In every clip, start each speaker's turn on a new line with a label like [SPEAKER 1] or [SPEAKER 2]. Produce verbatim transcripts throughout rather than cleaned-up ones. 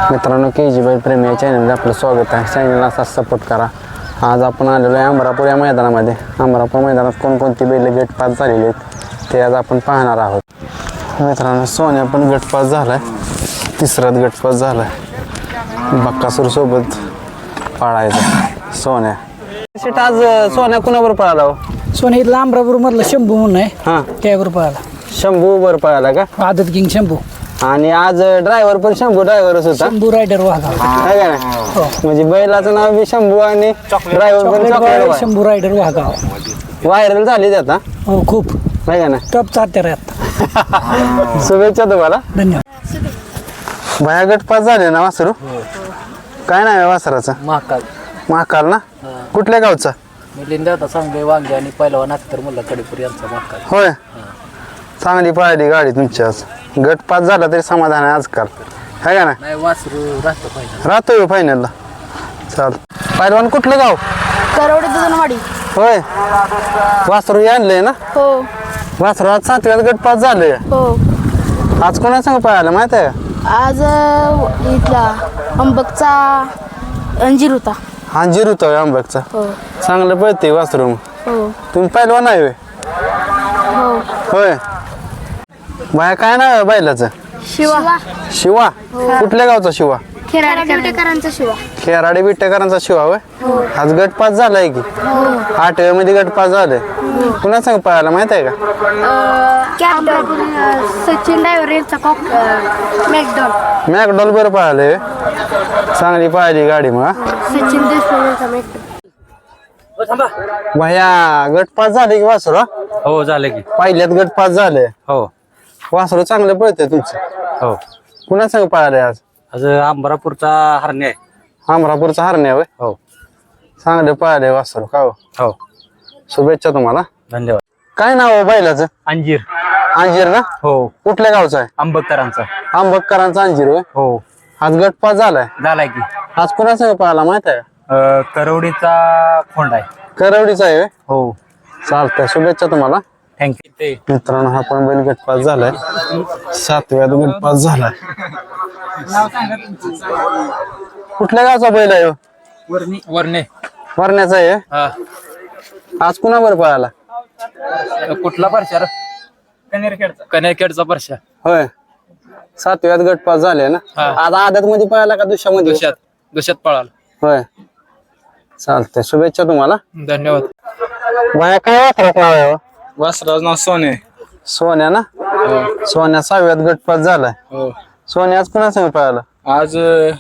[SPEAKER 1] मित्रांनो के जी बाई प्रेमी या चॅनलमध्ये आपलं स्वागत आहे. चॅनलला असाच सपोर्ट करा. आज आपण आलेलो आहे अमरापूर या मैदानामध्ये. अमरापूर मैदानात कोणकोणती बैल गटपास झालेली आहेत ते आज आपण पाहणार आहोत. मित्रांनो सोन्या पण गटपास झाला आहे, तिसराच गटपास झाला आहे. बक्कासूर सोबत पाळायचा सोन्या. शेट आज सोन्या कुणाबरोबर पळाला हो?
[SPEAKER 2] सोन्या इथला अमरापूर मधला शंभू म्हणून आहे,
[SPEAKER 1] हां
[SPEAKER 2] त्यावर पळाला.
[SPEAKER 1] शंभू वर पळाला का?
[SPEAKER 2] आदत किंग शंभू.
[SPEAKER 1] आणि आज ड्रायव्हर पण शंभू ड्रायव्हरच होता.
[SPEAKER 2] शंभू रायडर वाघा.
[SPEAKER 1] काय का नाही? म्हणजे बैलाचं नाव बी शंभू आणि ड्रायव्हर पण chocolate
[SPEAKER 2] Shambhu rider Wagha.
[SPEAKER 1] Viral झाली ते आता.
[SPEAKER 2] हो खूप
[SPEAKER 1] नाही का ना?
[SPEAKER 2] टॉप चाहते आता.
[SPEAKER 1] शुभेच्छा तुम्हाला.
[SPEAKER 2] धन्यवाद.
[SPEAKER 1] भया गट पास झाले ना वासरू? काय नाव आहे वासराचं?
[SPEAKER 2] महाकाल.
[SPEAKER 1] महाकाल ना? कुठल्या गावचा?
[SPEAKER 2] मिलिंद आता सांगले वांगे आणि पहिलवान अख्तर मुल्ला कडेपूर यांचा महाकाल.
[SPEAKER 1] होय, चांगली पळाली गाडी तुमची आज. गट पास झाला तरी समाधान आहे आजकाल, है का ना?
[SPEAKER 2] नाही वासरू राहतो पाहिजे.
[SPEAKER 1] राहतोय फायनलला. चाल पहिलवान कुठलं गाव?
[SPEAKER 3] करवडे दुधनवाडी.
[SPEAKER 1] होय, वासरू आणलंय ना?
[SPEAKER 3] हो
[SPEAKER 1] वासरू आज सातव्यात गट पास झालंय.
[SPEAKER 3] हो.
[SPEAKER 1] आज कोणा सांग पळायला माहित आहे का?
[SPEAKER 3] आज अ, इथला अंबकचा अंजीर होता.
[SPEAKER 1] अंजीर होता होय आंबकचा.
[SPEAKER 3] हो
[SPEAKER 1] चांगलं पळते वासरू.
[SPEAKER 3] हो
[SPEAKER 1] तुम्ही पहिलवान आहे होय?
[SPEAKER 3] हो.
[SPEAKER 1] होय. बाया काय नाव आहे बैलाचं?
[SPEAKER 3] शिवा.
[SPEAKER 1] शिवा. कुठल्या गावचा शिवा?
[SPEAKER 3] खेराडेकरांचा शिवा.
[SPEAKER 1] खेराडे बिट्टेकरांचा शिवा होय. आज गट पास झालाय की? आठव्या मध्ये गट पास झालाय. पुन्हा सांग पळायला माहित आहे का?
[SPEAKER 3] कॅप्टन सचिन डायव्हर यांचा कॉक मॅकडॉल.
[SPEAKER 1] मॅकडॉल बरं पळालंय. चांगली पळाली गाडी मग.
[SPEAKER 3] सचिन देशमुख यांचा मॅकडॉल.
[SPEAKER 1] भैया गट पास झाले की वासरू?
[SPEAKER 4] हो झालं की.
[SPEAKER 1] पहिल्यात गट पास झाले.
[SPEAKER 4] हो
[SPEAKER 1] वासरू चांगलं पळतंय तुमचं.
[SPEAKER 4] हो.
[SPEAKER 1] पुन्हा सांग पळालंय आज?
[SPEAKER 4] आज अंबरापूरचा हरणे आहे.
[SPEAKER 1] अमरापूरचा हरण्या होय.
[SPEAKER 4] हो
[SPEAKER 1] चांगलं पळालंय वासरू. का हो?
[SPEAKER 4] हो.
[SPEAKER 1] शुभेच्छा तुम्हाला.
[SPEAKER 4] धन्यवाद.
[SPEAKER 1] काय नाव आहे बैलाचं?
[SPEAKER 4] अंजीर.
[SPEAKER 1] अंजीर ना?
[SPEAKER 4] हो.
[SPEAKER 1] कुठल्या गावचा आहे?
[SPEAKER 4] अंबकरांचा.
[SPEAKER 1] आंबकरांचा अंजीर होय.
[SPEAKER 4] हो
[SPEAKER 1] आज गट पास झालाय.
[SPEAKER 4] झालाय की.
[SPEAKER 1] आज कुणा संग पळाला माहित आहे का?
[SPEAKER 4] अं, करवडीचा खोंड आहे.
[SPEAKER 1] करवडीचा आहे होय.
[SPEAKER 4] हो
[SPEAKER 1] चालतंय, शुभेच्छा तुम्हाला.
[SPEAKER 4] थँक्यू.
[SPEAKER 1] मित्रांनो हा पण बैल गट पास झालाय. सातव्यात गट पास झालाय. कुठल्या गावचा बैल आहे हो?
[SPEAKER 4] वरणे.
[SPEAKER 1] वरण्याचा आहे.
[SPEAKER 4] हा.
[SPEAKER 1] आज कुणावर पळाला?
[SPEAKER 4] कुठला परशा? कनेरखेडचा. कनेरखेडचा परशा.
[SPEAKER 1] होय, सातव्यात गट पास झाले ना.
[SPEAKER 4] हा.
[SPEAKER 1] आज आदत मध्ये पळाला का दुसऱ्यामध्ये?
[SPEAKER 4] दुष्यात दुष्यात पळाला.
[SPEAKER 1] होय, चालतंय, शुभेच्छा तुम्हाला.
[SPEAKER 4] धन्यवाद.
[SPEAKER 1] बाया काय वासरात नाव आहे हो?
[SPEAKER 4] वासराज नाव सोने.
[SPEAKER 1] सोन्या ना? सोन्या सहाव्यात गट पास झालाय.
[SPEAKER 4] हो.
[SPEAKER 1] सोन्या आज कुणा संग पळाला?
[SPEAKER 4] आज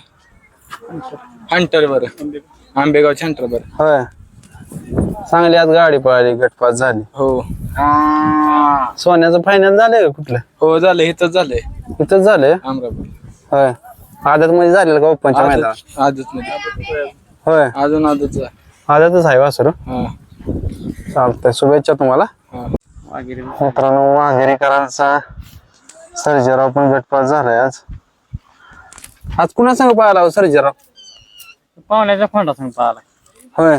[SPEAKER 4] हंटर बर आंबेगावच्या हंटर बर.
[SPEAKER 1] होय, चांगली आज गाडी पळाली, गट पास झाली.
[SPEAKER 4] हो.
[SPEAKER 1] सोन्याचं फायनल झालंय का कुठलं?
[SPEAKER 4] हो झालं. इथंच झालंय
[SPEAKER 1] इथंच झालंय.
[SPEAKER 4] अमरापूर.
[SPEAKER 1] होय, आदत मध्ये झालेलं का ओपनच्या मैदानात?
[SPEAKER 4] आजच मध्ये.
[SPEAKER 1] होय,
[SPEAKER 4] अजून आजच आहे.
[SPEAKER 1] आदतच आहे वासरू.
[SPEAKER 4] हा.
[SPEAKER 1] चालतंय, शुभेच्छा तुम्हाला.
[SPEAKER 4] हा.
[SPEAKER 1] मित्रांनो वाघेरीकरांचा सर्जेराव पण गटपास झालाय आज. आज कुणा संग पळाला हो सर्जेराव?
[SPEAKER 4] पाहुण्याच्या फोंडा सांग पाहिला.
[SPEAKER 1] होय,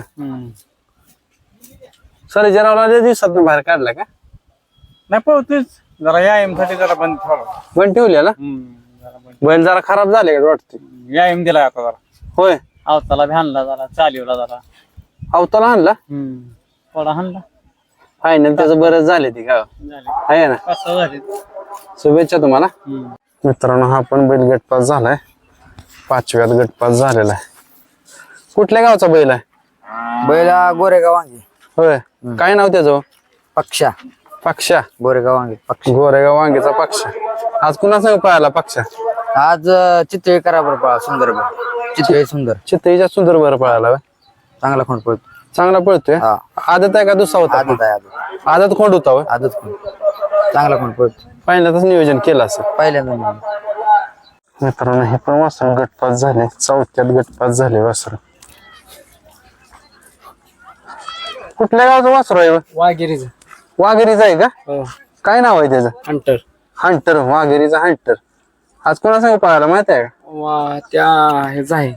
[SPEAKER 1] सर्जेरावला लय दिवसात बाहेर काढला का?
[SPEAKER 4] नाही पळतोच जरा व्यायाम साठी जरा बंद ठेवला.
[SPEAKER 1] पण ठेवलेला बैल जरा खराब झाले वाटते.
[SPEAKER 4] व्यायाम दिला आता जरा.
[SPEAKER 1] होय,
[SPEAKER 4] अवताला बी हाणला जरा, चालीवला जरा.
[SPEAKER 1] अवताला आणला.
[SPEAKER 4] थोडा हाणला.
[SPEAKER 1] फायनल त्याचं बरंच झाले ती का? आहे ना.
[SPEAKER 4] कसं झाले.
[SPEAKER 1] शुभेच्छा तुम्हाला. मित्रांनो हा पण बैल गटपास झालाय. पाचव्यात गटपास झालेला आहे. कुठल्या गावचा बैल आहे?
[SPEAKER 2] बैला गोरेगाव वांगे.
[SPEAKER 1] होय, काय नाव त्याचं?
[SPEAKER 2] पक्षा.
[SPEAKER 1] पक्षा.
[SPEAKER 2] गोरेगाव वांगे पक्षा.
[SPEAKER 1] गोरेगाव वांगीचा पक्षा. आज कुणा संग पळाला पक्षा?
[SPEAKER 2] आज चितळे कराबर पळा. सुंदर चितळे सुंदर.
[SPEAKER 1] चित्तईच्या सुंदर बर पळाला होय.
[SPEAKER 2] चांगला खोंड पळतो.
[SPEAKER 1] चांगला पळतोय.
[SPEAKER 2] हा.
[SPEAKER 1] आदत आहे का दुसरा होता?
[SPEAKER 2] आदत आहे. आदत
[SPEAKER 1] आदत खोंड होता होय.
[SPEAKER 2] आदत खोंड चांगला खोंड पळतो.
[SPEAKER 1] पहिल्यांदाच नियोजन केलं असं.
[SPEAKER 2] पहिल्यांदा.
[SPEAKER 1] मित्रांनो हे पण वासरू गटपास झाले. चौथ्यात गटपास झाले वासरू. कुठल्या गावचं वासरू आहे?
[SPEAKER 4] वाघेरीच.
[SPEAKER 1] वाघेरीचा आहे का?
[SPEAKER 4] हो.
[SPEAKER 1] काय नाव आहे त्याचं?
[SPEAKER 4] हंटर.
[SPEAKER 1] हंटर. वाघेरीचा हंटर. आज कोणा संग पळाला माहित आहे का?
[SPEAKER 4] वा त्या हेच आहे.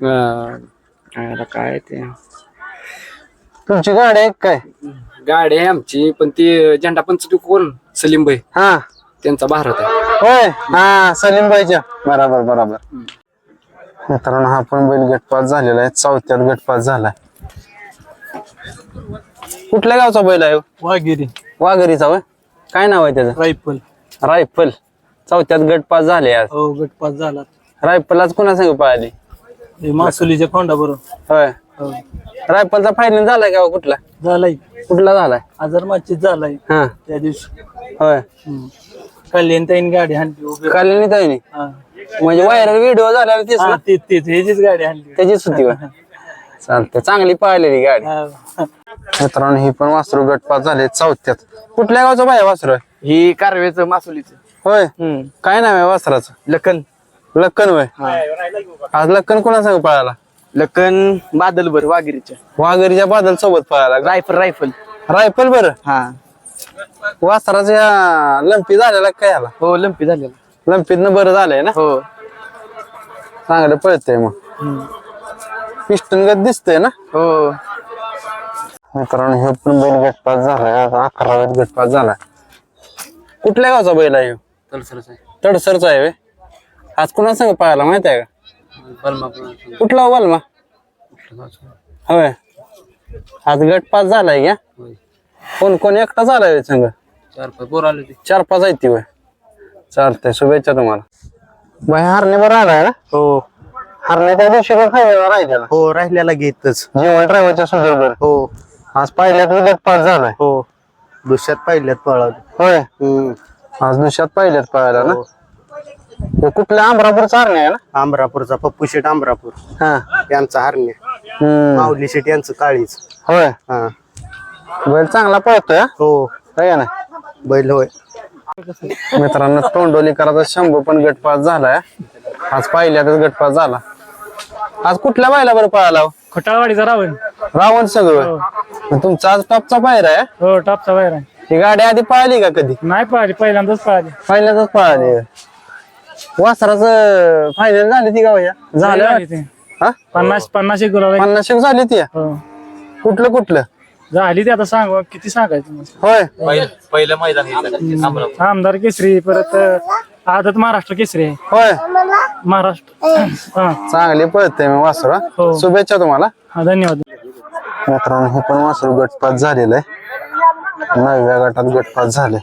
[SPEAKER 4] काय ते
[SPEAKER 1] तुमची गाडी आहे काय?
[SPEAKER 4] गाडी आहे आमची, पण ती झेंडा पंच कोण सलीम भाई
[SPEAKER 1] हा
[SPEAKER 4] त्यांचा भारत आहे.
[SPEAKER 1] होय. हा सलीम भाईच्या. बरोबर बरोबर. मित्रांनो हा पण बैल गटपास झालेला आहे, चौथ्यात गटपास झालाय. कुठल्या गावचा बैल आहे?
[SPEAKER 2] वाघिरी
[SPEAKER 1] वाघरीचा होय. काय नाव आहे त्याचं?
[SPEAKER 2] रायफल.
[SPEAKER 1] रायफल. चौथ्यात गटपास झाले आज.
[SPEAKER 2] हो गटपास झाला.
[SPEAKER 1] रायफल आज कुणा संग पळाली?
[SPEAKER 2] हे मासुलीच्या खोंडा बरोबर.
[SPEAKER 1] होय.
[SPEAKER 2] हो
[SPEAKER 1] रायफलचा फायनल झालाय का हो? कुठला
[SPEAKER 2] झालाय.
[SPEAKER 1] कुठला झालाय?
[SPEAKER 2] आजार माचीत झालाय
[SPEAKER 1] हा
[SPEAKER 2] त्या दिवशी.
[SPEAKER 1] होय.
[SPEAKER 2] कल्याण ताईन गाडी हाणली उभी.
[SPEAKER 1] काल ताईने
[SPEAKER 2] हा.
[SPEAKER 1] म्हणजे व्हायरल व्हिडिओ झाला तेच
[SPEAKER 2] हा,
[SPEAKER 1] ना?
[SPEAKER 2] तेच तेच ह्याचीच गाडी हाणली.
[SPEAKER 1] त्याचीच होती होय. चालते, चांगली पाहिलेली गाडी.
[SPEAKER 2] हा.
[SPEAKER 1] मित्रांनो ही पण वासरू गटपास झाले चौथ्यात. कुठल्या गावचं बाया वासरू आहे?
[SPEAKER 2] ही कारवेचं मासुलीचं.
[SPEAKER 1] होय. काय नाव आहे वासराचं?
[SPEAKER 2] लखन.
[SPEAKER 1] लक्कन होय. आज लक्कन कोणा संग पळाला?
[SPEAKER 2] लखन बादलभर वाघिरीच्या.
[SPEAKER 1] वाघरीच्या बादल सोबत पळाला.
[SPEAKER 2] Rifle rifle.
[SPEAKER 1] रायफल बरं.
[SPEAKER 2] हा
[SPEAKER 1] वासराच्या लंपी झालेला काय आला?
[SPEAKER 2] हो लंपी झालेला.
[SPEAKER 1] लंपीतनं बरं झालंय ना?
[SPEAKER 2] हो.
[SPEAKER 1] चांगलं पळतंय मग. पिस्टन गत दिसतंय ना?
[SPEAKER 2] हो.
[SPEAKER 1] मित्रांनो हे पण बैल गटपास झालाय. आज अकराव्यात गटपास झालाय. कुठल्या गावचा बैल आहे ह्यो? तडसरचा आहे व्हय. आज कुणा संग पळाला माहित आहे का? कुठला बलमा? होय. आज गटपास झालाय का? कोण कोण एकटा झालाय संघ?
[SPEAKER 2] चार पाच पोर आले.
[SPEAKER 1] चार पाच आहे ती वय. चालतंय, शुभेच्छा तुम्हाला. बाई हरणे बरं आलाय ना?
[SPEAKER 2] हो
[SPEAKER 1] हरणे त्या दिवशी पण खायला राहिलेला.
[SPEAKER 2] हो राहिल्याला घेतच.
[SPEAKER 1] जेवण ड्रायव्हरच्या सुंदर.
[SPEAKER 2] हो
[SPEAKER 1] आज पहिल्यात गटपास झालाय.
[SPEAKER 2] हो दुसऱ्यात पहिल्यात पळाले.
[SPEAKER 1] होय. आज दुसऱ्यात पहिल्यात पळायला ना? हे कुठल्या अमरापूरचा हरणे आहे ना?
[SPEAKER 2] आमरापूरचा पप्पू शेट आमरापूर
[SPEAKER 1] हा.
[SPEAKER 2] यांचा हरणे.
[SPEAKER 1] हम्म.
[SPEAKER 2] माऊली शेट यांचं काळीच.
[SPEAKER 1] होय.
[SPEAKER 2] हा
[SPEAKER 1] बैल चांगला पळतोय हा?
[SPEAKER 2] हो
[SPEAKER 1] काय ना
[SPEAKER 2] बैल होय.
[SPEAKER 1] मित्रांनो तोंडोलीकराचा शंभू पण गटपास झालाय. आज पहिल्यातच गटपास झाला. आज कुठल्या बायला बरं पळाला हो?
[SPEAKER 2] खटाळवाडीचा रावण.
[SPEAKER 1] रावण सगळं. तुमचा आज टॉपचा पायरा आहे?
[SPEAKER 2] हो टॉपचा बाहेर आहे.
[SPEAKER 1] ही गाडी आधी पळाली का कधी?
[SPEAKER 2] नाही पळाली पहिल्यांदाच पळाली.
[SPEAKER 1] पहिल्यांदाच पळाली. वासराचं फायनल झाली ती गाव झालं
[SPEAKER 2] ते
[SPEAKER 1] हा?
[SPEAKER 2] पन्नास पन्नास एक गुलाब.
[SPEAKER 1] पन्नास एक झाली ती.
[SPEAKER 2] हो
[SPEAKER 1] कुठलं कुठलं
[SPEAKER 2] झाली ती. आता सांग किती सांगायचं.
[SPEAKER 1] होय.
[SPEAKER 5] पहिलं मैदान
[SPEAKER 2] आमदार केसरी परत आदत महाराष्ट्र केसरी आहे.
[SPEAKER 1] होय.
[SPEAKER 2] महाराष्ट्र. हा
[SPEAKER 1] चांगली पळते मी वासरू हा.
[SPEAKER 2] हो.
[SPEAKER 1] शुभेच्छा तुम्हाला.
[SPEAKER 2] हा धन्यवाद.
[SPEAKER 1] मित्रांनो हे पण वासरू गटपास झालेलं आहे. नवव्या गटात गटपास झाले.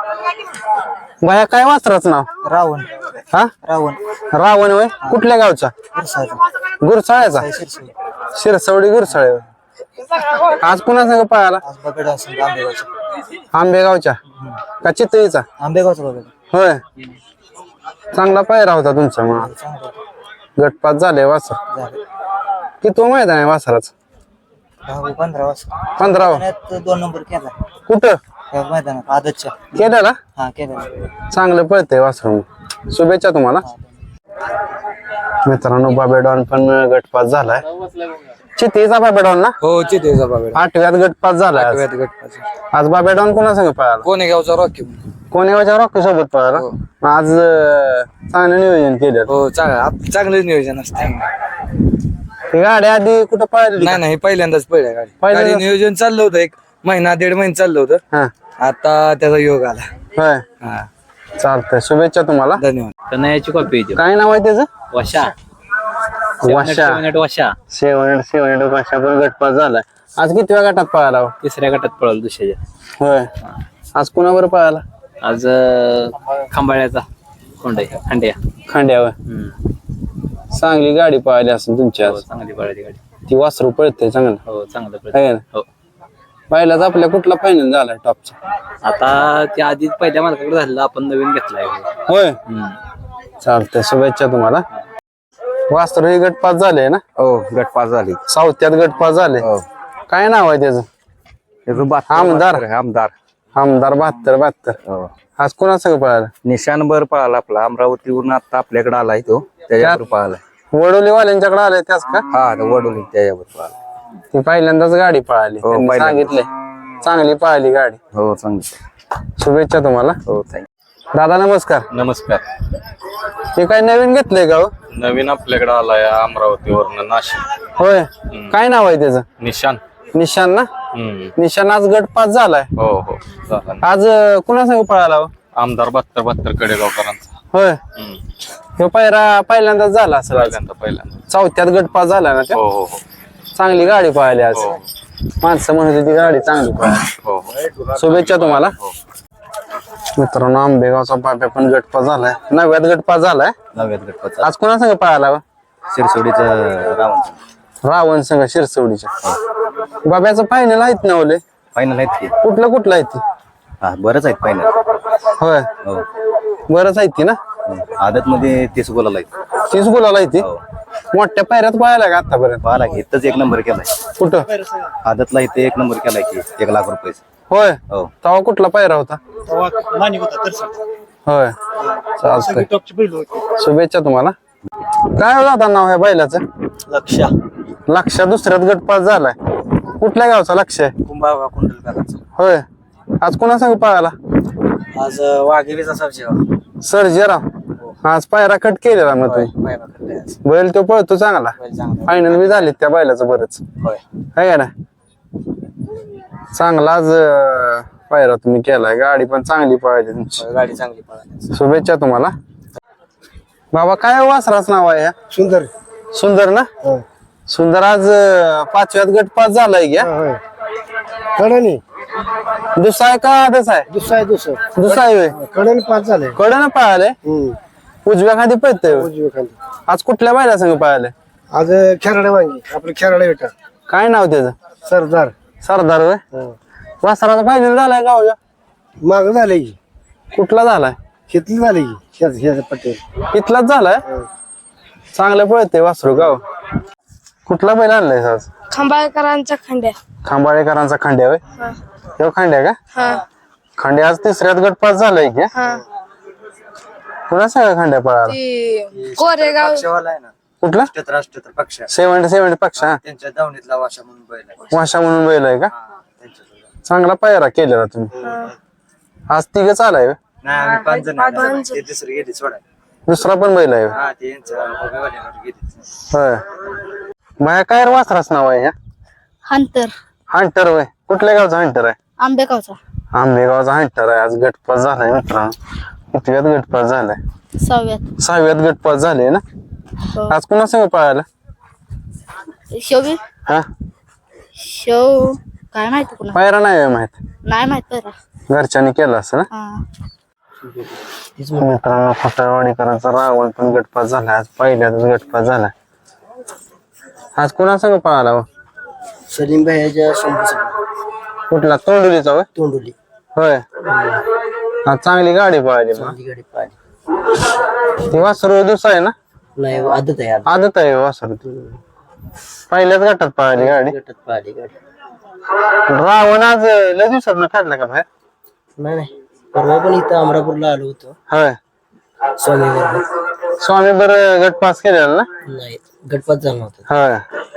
[SPEAKER 1] बाया काय वासराचं नाव?
[SPEAKER 2] रावण.
[SPEAKER 1] हा
[SPEAKER 2] रावण.
[SPEAKER 1] रावण होय. कुठल्या गावचा? गुरसाळ्याचा. शिरसवडी गुरसाळे. आज पुन्हा संग पळाला? आंबेगावच्या का चितळीचा?
[SPEAKER 2] आंबेगावचा बघा.
[SPEAKER 1] होय. चांगला पायरा होता तुमचा. मग गटपास झाले वासर. किती मैदान आहे वासराचं?
[SPEAKER 2] पंधरा वाजता
[SPEAKER 1] पंधरा.
[SPEAKER 2] दोन नंबर केला
[SPEAKER 1] कुठं
[SPEAKER 2] मैदानात आदतच्या.
[SPEAKER 1] केलेला?
[SPEAKER 2] हा केला.
[SPEAKER 1] चांगलं पळतंय वासर. शुभेच्छा तुम्हाला. मित्रांनो बाबेडॉन पण गटपास झालाय. चितीचा बाबेडॉन ना?
[SPEAKER 5] हो चितेचा बाबा.
[SPEAKER 1] आठव्यात गटपास झालाय आज. आज बाबेडॉन कोणा संग पळाला?
[SPEAKER 5] कोणी गावचा रॉकी.
[SPEAKER 1] कोणेगावच्या रॉकी सोबत पळाला. आज अं, चांगलं नियोजन केलं.
[SPEAKER 5] हो चांगलं चांगलंच नियोजन असते.
[SPEAKER 1] ही गाडी आधी कुठं पळाली?
[SPEAKER 5] नाही नाही पहिल्यांदाच पहिल्या गाडी
[SPEAKER 1] पहिल्यांदा-
[SPEAKER 5] गाडी नियोजन चाललं होतं. एक महिना दीड महिना चाललं होतं.
[SPEAKER 1] हा.
[SPEAKER 5] आता त्याचा योग आला.
[SPEAKER 1] होय.
[SPEAKER 5] हा
[SPEAKER 1] चालतंय, शुभेच्छा तुम्हाला.
[SPEAKER 5] धन्यवाद.
[SPEAKER 2] कन्याची कॉपी
[SPEAKER 1] काय नाव आहे त्याचं?
[SPEAKER 2] वशा.
[SPEAKER 1] वाशा.
[SPEAKER 2] वशा
[SPEAKER 1] सेवन सेवन वाशा पण गटपास झालाय. आज कितव्या गटात पळाला हो?
[SPEAKER 2] तिसऱ्या गटात पळाल दुसऱ्याच्या.
[SPEAKER 1] होय. आज कुणावर पळाला?
[SPEAKER 2] आज खांबाळ्याचा खोंडे खांड्या.
[SPEAKER 1] खांड्यावर. चांगली गाडी पळाली असेल तुमची आज.
[SPEAKER 2] चांगली पळाली गाडी.
[SPEAKER 1] ती वासरू पळते चांगलं.
[SPEAKER 2] हो चांगलं
[SPEAKER 1] आहे
[SPEAKER 2] पळाली.
[SPEAKER 1] ना?
[SPEAKER 2] हो
[SPEAKER 1] पहिलाच आपल्या कुठला फायनल झालाय टॉपचा?
[SPEAKER 2] आता त्या आधी पहिल्या मालकाकडे झालेला आपण नवीन घेतलाय.
[SPEAKER 1] होय. चालतंय, शुभेच्छा तुम्हाला. वासरू ही गटपास झाले ना?
[SPEAKER 5] हो गटपास झाली.
[SPEAKER 1] साऊथ्यात गटपास झाले. काय नाव आहे त्याचं? आमदार.
[SPEAKER 5] आमदार
[SPEAKER 1] आमदार बहात्तर बहात्तर.
[SPEAKER 5] हो.
[SPEAKER 1] आज कोणा संग पळाला?
[SPEAKER 5] निशान बर पळाला आपला. अमरावतीवरून आता आपल्याकडे आलाय तो. त्याच्यावर पळालाय.
[SPEAKER 1] वडोलीवाल्यांच्याकडे आले त्याच का?
[SPEAKER 5] हा वडोली त्याच्यावर पळाला.
[SPEAKER 1] ती पहिल्यांदाच गाडी पळाली.
[SPEAKER 5] हो,
[SPEAKER 1] त्यांनी
[SPEAKER 5] पहिल्यांदा.
[SPEAKER 1] सांगितले चांगली पळाली गाडी.
[SPEAKER 5] हो चांगली.
[SPEAKER 1] शुभेच्छा तुम्हाला.
[SPEAKER 5] हो थँक्यू.
[SPEAKER 1] दादा नमस्कार.
[SPEAKER 6] नमस्कार.
[SPEAKER 1] हे काय नवीन घेतलंय का हो?
[SPEAKER 6] नवीन आपल्याकडे आलाय अमरावतीवरनं नाशिक.
[SPEAKER 1] होय. काय नाव आहे त्याचं?
[SPEAKER 6] निशान.
[SPEAKER 1] निशान ना?
[SPEAKER 6] हम्म.
[SPEAKER 1] निशान आज गटपास झालाय.
[SPEAKER 6] हो हो झाला ना.
[SPEAKER 1] आज अं, कुणा संग पळाला हो?
[SPEAKER 6] आमदार बहात्तर बहात्तर कडेगावकरांचा.
[SPEAKER 1] होय
[SPEAKER 6] हम्म.
[SPEAKER 1] ह्यो पायरा पहिल्यांदाच झाला असेल आज.
[SPEAKER 6] पहिल्यांदा पहिल्यांदा
[SPEAKER 1] चौथ्यात गट पास झाला ना त्या
[SPEAKER 6] हो हो हो
[SPEAKER 1] चांगली गाडी पळाली आज
[SPEAKER 6] हो.
[SPEAKER 1] माणसं म्हणत होती गाडी चांगली पळाली
[SPEAKER 6] हो हो
[SPEAKER 1] शुभेच्छा तुम्हाला मित्रांनो आंबेगावचा बाब्या पण गटपास झालाय नव्यात गटपास झालाय
[SPEAKER 5] नव्यात गटपत
[SPEAKER 1] आज कोणा संग पळाला व?
[SPEAKER 5] शिरसोडीचं रावण
[SPEAKER 1] रावण संघ शिरसवडीच्या बाब्याचं फायनल आहेत ना ओले
[SPEAKER 5] फायनल आहेत की
[SPEAKER 1] कुठलं कुठलं आहे ती
[SPEAKER 5] हा बरंच आहेत फायनल
[SPEAKER 1] होय
[SPEAKER 5] हो
[SPEAKER 1] बरंच आहे ती ना
[SPEAKER 5] आदत मध्ये तीस गोलाला आहेत
[SPEAKER 1] तीच गुलाल आहे ती
[SPEAKER 5] हो
[SPEAKER 1] मोठ्या पायऱ्यात पळायला का आतापर्यंत
[SPEAKER 5] पाहिला की इथंच एक नंबर केलाय
[SPEAKER 1] कुठं
[SPEAKER 5] आदतला इथे एक नंबर केलाय की एक लाख रुपये
[SPEAKER 1] होय
[SPEAKER 5] हो
[SPEAKER 1] तेव्हा कुठला पायरा होता होय चालतंय शुभेच्छा तुम्हाला काय हो दादा नाव आहे बैलाचं
[SPEAKER 2] लक्षा
[SPEAKER 1] लक्ष दुसऱ्यात गटपास झालाय कुठल्या गावचा लक्ष आहे
[SPEAKER 2] कुंभाळगाव कुंडलकरांचा
[SPEAKER 1] होय आज कोणा संग पळाला
[SPEAKER 2] आज वाघेरीचा सरजेगाव
[SPEAKER 1] सर्जेराव आज पायरा कट केलेला मग तुम्ही
[SPEAKER 2] पायरा करतोय आज.
[SPEAKER 1] बैल तो पळतो चांगला
[SPEAKER 2] बैल चांगला
[SPEAKER 1] फायनल बी झाली त्या बैलाचं बरंच
[SPEAKER 2] होय
[SPEAKER 1] आहे का ना चांगलाच अं, पायरा तुम्ही केलाय गाडी पण चांगली पळाली तुमची
[SPEAKER 2] होय, गाडी चांगली पळाली
[SPEAKER 1] शुभेच्छा तुम्हाला बाबा काय वासराच नाव आहे या?
[SPEAKER 7] सुंदर
[SPEAKER 1] सुंदर ना सुंदर आज अं, पाचव्यात गट पास झालाय घ्या
[SPEAKER 7] होय कडाने
[SPEAKER 1] दुसरा आहे का आधच आहे
[SPEAKER 7] दुसरा आहे दुसरं
[SPEAKER 1] दुसरा आहे होय.
[SPEAKER 7] कडाने पाच झाले
[SPEAKER 1] कडं ना पळाले
[SPEAKER 7] हम्म
[SPEAKER 1] उजव्या खाली पळतंय होय.
[SPEAKER 7] उजवी खाली
[SPEAKER 1] आज कुठल्या बैला संग पळाले
[SPEAKER 7] आज खेराडे वांगी आपलं खेराडे बेटा
[SPEAKER 1] काय नाव त्याचं
[SPEAKER 7] सरदार
[SPEAKER 1] सरदार होय
[SPEAKER 7] हं.
[SPEAKER 1] वासराचा फायनल झालाय गावच्या
[SPEAKER 7] माग झाले की
[SPEAKER 1] कुठला झालाय
[SPEAKER 7] शेतली झाले की शेत शेत पटेल
[SPEAKER 1] इथलाच झालाय चांगलं पळतंय वासरू गाव कुठला बैल आणलाय आज
[SPEAKER 3] खंबाळकरांचा खंड्या
[SPEAKER 1] खांबाळेकरांचा खांड्या होय तो खांड्या का
[SPEAKER 3] हा
[SPEAKER 1] खांड्या आज तिसऱ्यात गट पास झालाय की
[SPEAKER 3] हा
[SPEAKER 1] कुणा सगळ्या खांड्या पळाला
[SPEAKER 3] ती कोरेगाव
[SPEAKER 2] पक्षवाला आहे ना
[SPEAKER 1] कुठला
[SPEAKER 2] राष्ट्र राष्ट्र पक्ष
[SPEAKER 1] सेव्हन्टी सेव्हन्टी पक्ष हा
[SPEAKER 2] त्यांच्या दावणीतला वाशा म्हणून बैल आहे
[SPEAKER 1] वाशा म्हणून बैल आहे का
[SPEAKER 2] त्यांच्या
[SPEAKER 1] चांगला पायरा केलेला तुम्ही आज तिघच आलाय होय?
[SPEAKER 2] नाही आम्ही पाच जण आहे. ते दुसरी गेली सोडा
[SPEAKER 1] दुसरा पण बैल आहे होय?
[SPEAKER 2] हा ते यांच्या भोगेवाल्यावर गेली
[SPEAKER 1] होय बाया काय रे वासराच नाव आहे ह्या
[SPEAKER 3] हंतर
[SPEAKER 1] हंटर होय कुठल्या गावचा हंटर आहे
[SPEAKER 3] आंबेगावचा
[SPEAKER 1] आंबेगावचा हंटर आहे आज गटपास झालाय मित्रांनो कितव्यात गटपास झालाय
[SPEAKER 3] सहाव्यात
[SPEAKER 1] सहाव्यात गटपास झाले ना आज कुणा संग पळायला
[SPEAKER 3] शोभी
[SPEAKER 1] हा
[SPEAKER 3] शो काय माहिती कुणा
[SPEAKER 1] पायरा नाही होय माहित
[SPEAKER 3] नाही माहित बरं
[SPEAKER 1] घरच्यांनी केलं असं ना
[SPEAKER 3] हा
[SPEAKER 1] मित्रांनो फटावाडीकरांचा रावण पण गटपास झाला आज पहिल्याच गटपास झाला आज कुणा संग पळाला हो?
[SPEAKER 7] सलीम भाईच्या शंभू
[SPEAKER 1] कुठला तोंडुलीचा होय
[SPEAKER 7] तोंडुली
[SPEAKER 1] होय आज चांगली गाडी पळाली मग
[SPEAKER 7] गाडी पाहिली
[SPEAKER 1] ती वासरू दुसरा आहे ना
[SPEAKER 7] नाही आदत आहे
[SPEAKER 1] आदत आहे वासरू ती. पहिल्याच गटात पळाली गाडी
[SPEAKER 7] गटात पाहिली गाडी
[SPEAKER 1] रावण आज लय दिवसात न काढला का बाहेर
[SPEAKER 7] नाही नाही परवा पण इथं अमरापूरला आलो होतो
[SPEAKER 1] होय
[SPEAKER 7] स्वामीवर
[SPEAKER 1] स्वामी बर गट पास केलेला ना
[SPEAKER 7] नाही गटपात झाला होता
[SPEAKER 1] होय